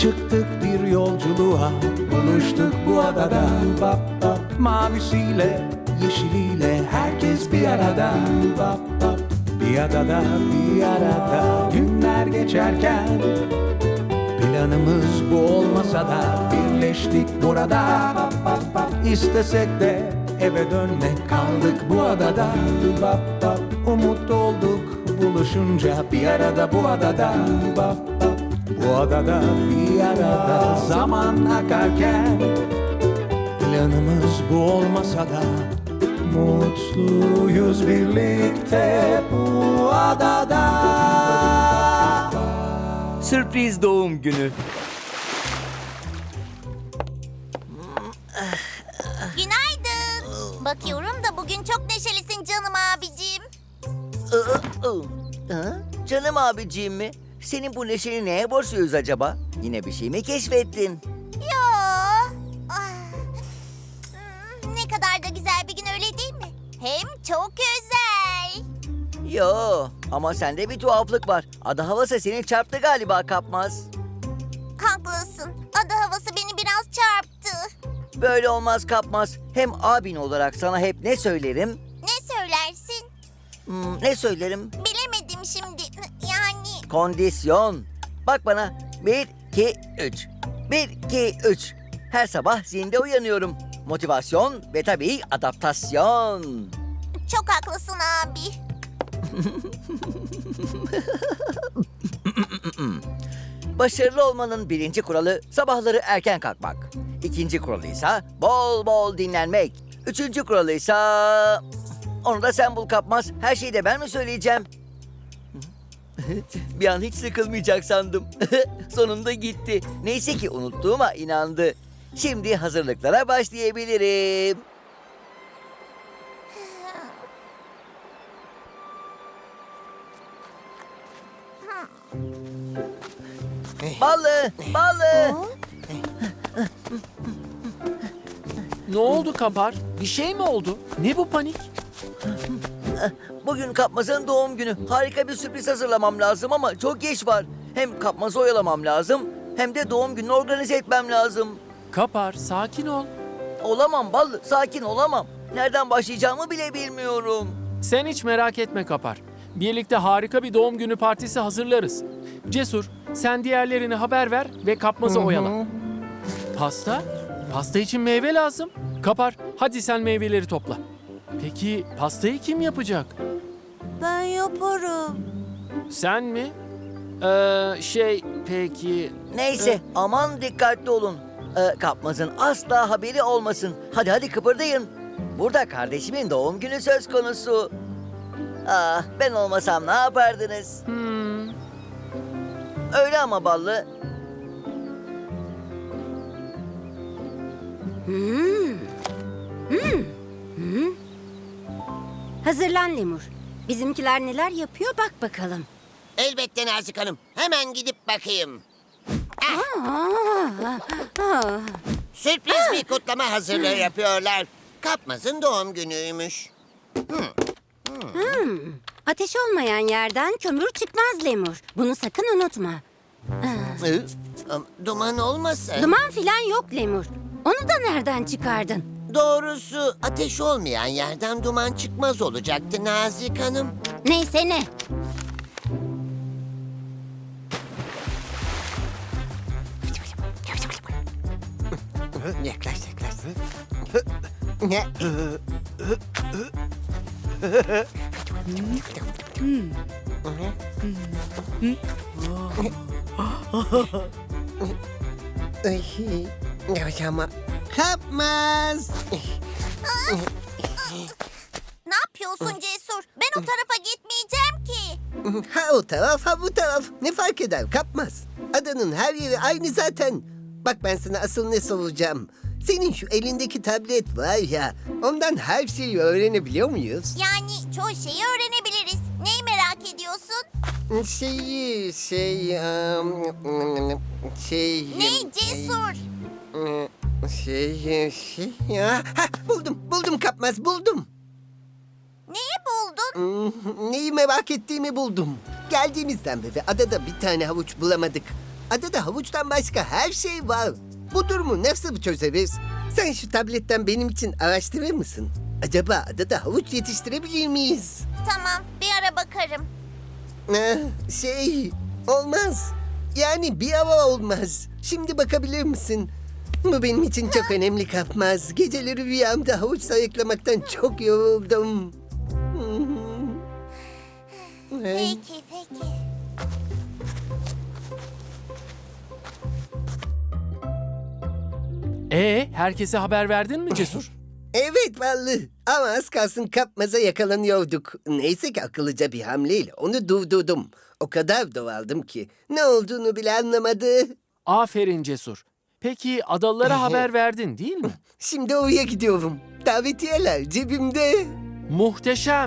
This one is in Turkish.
Çıktık bir yolculuğa, buluştuk bu adada. Bap bap, mavisiyle, yeşiliyle herkes bir arada. Bap bap, bir adada, bir arada. Günler geçerken planımız bu olmasa da birleştik burada. Bap bap bap, istesek de eve dönmek, kaldık bu adada. Bap bap, umut olduk buluşunca bir arada bu adada. Bap bap, bu adada bir arada. Zaman akarken planımız bu olmasa da mutluyuz birlikte bu adada. Sürpriz doğum günü. Günaydın. Bakıyorum da bugün çok neşelisin canım abicim. Canım abiciğim mi? Senin bu neşeni neye borçluyuz acaba? Yine bir şey mi keşfettin? Yo. Ne kadar da güzel bir gün, öyle değil mi? Hem çok özel. Yo, ama sende bir tuhaflık var. Ada havası seni çarptı galiba Kapmaz. Haklısın. Ada havası beni biraz çarptı. Böyle olmaz Kapmaz. Hem abin olarak sana hep ne söylerim? Ne söylersin? Ne söylerim? Bilemedim şimdi. Yani Kondisyon. Bak bana. 1, 2, 3. 1, 2, 3. Her sabah zinde uyanıyorum. Motivasyon ve tabii adaptasyon. çok haklısın abi. Başarılı olmanın birinci kuralı sabahları erken kalkmak. İkinci kuralı ise bol bol dinlenmek. Üçüncü kuralı ise... Onu da sen bul Kapmaz. Her şeyi de ben mi söyleyeceğim? Bir an hiç sıkılmayacak sandım. Sonunda gitti. Neyse ki unuttuğuma inandı. Şimdi hazırlıklara başlayabilirim. Ballı, ballı. Ne oldu Kapar? Bir şey mi oldu? Ne bu panik? Bugün Kapmaz'ın doğum günü. Harika bir sürpriz hazırlamam lazım ama çok geç var. Hem Kapmaz'ı oyalamam lazım hem de doğum gününü organize etmem lazım. Kapar, sakin ol. Olamam Ballı, sakin olamam. Nereden başlayacağımı bile bilmiyorum. Sen hiç merak etme Kapar. Birlikte harika bir doğum günü partisi hazırlarız. Cesur, sen diğerlerine haber ver ve Kapmaz'ı oyala. Pasta? Pasta için meyve lazım. Kapar, hadi sen meyveleri topla. Peki pastayı kim yapacak? Ben yaparım. Sen mi? Peki... Neyse, aman dikkatli olun. Kapmaz'ın asla haberi olmasın. Hadi hadi kıpırdayın. Burada kardeşimin doğum günü söz konusu. Ah, ben olmasam ne yapardınız? Öyle ama Ballı. Hazırlan Lemur. Bizimkiler neler yapıyor bak bakalım. Elbette Nazik Hanım. Hemen gidip bakayım. Sürpriz bir kutlama hazırlığı yapıyorlar. Kapmaz'ın doğum günüymüş. Ateş olmayan yerden kömür çıkmaz Lemur. Bunu sakın unutma. Duman olmasın. Duman filan yok Lemur. Onu da nereden çıkardın? Doğrusu ateş olmayan yerden duman çıkmaz olacaktı Nazik Hanım. Neyse ne. Yaklaş yaklaş. Ne? Yavaş ama. Kapmaz. Ne yapıyorsun Cesur? Ben o tarafa gitmeyeceğim ki. Ha o taraf ha bu taraf. Ne fark eder Kapmaz. Adanın her yeri aynı zaten. Bak ben sana asıl ne soracağım. Senin şu elindeki tablet var ya, ondan her şeyi öğrenebiliyor muyuz? Yani çoğu şeyi öğrenebiliriz. Neyi merak ediyorsun? Ne Cesur? Ya, buldum Kapmaz, buldum. Neyi buldun? Neyi merak ettiğimi buldum. Geldiğimizden beri adada bir tane havuç bulamadık. Adada havuçtan başka her şey var. Bu durumu nasıl çözeriz? Sen şu tabletten benim için araştırır mısın? Acaba adada havuç yetiştirebilir miyiz? Tamam, bir ara bakarım. Olmaz. Yani bir hava olmaz. Şimdi bakabilir misin? Bu benim için çok önemli Kapmaz. Geceleri rüyamda havuç sayıklamaktan çok yoruldum. Peki, peki. Herkese haber verdin mi Cesur? Evet vallahi. Ama az kalsın Kapmaz'a yakalanıyorduk. Neyse ki akıllıca bir hamleyle onu durdurdum. O kadar doğaldım ki ne olduğunu bile anlamadı. Aferin Cesur. Peki adalılara haber verdin değil mi? Şimdi oraya gidiyorum. Davetiyeler cebimde. Muhteşem.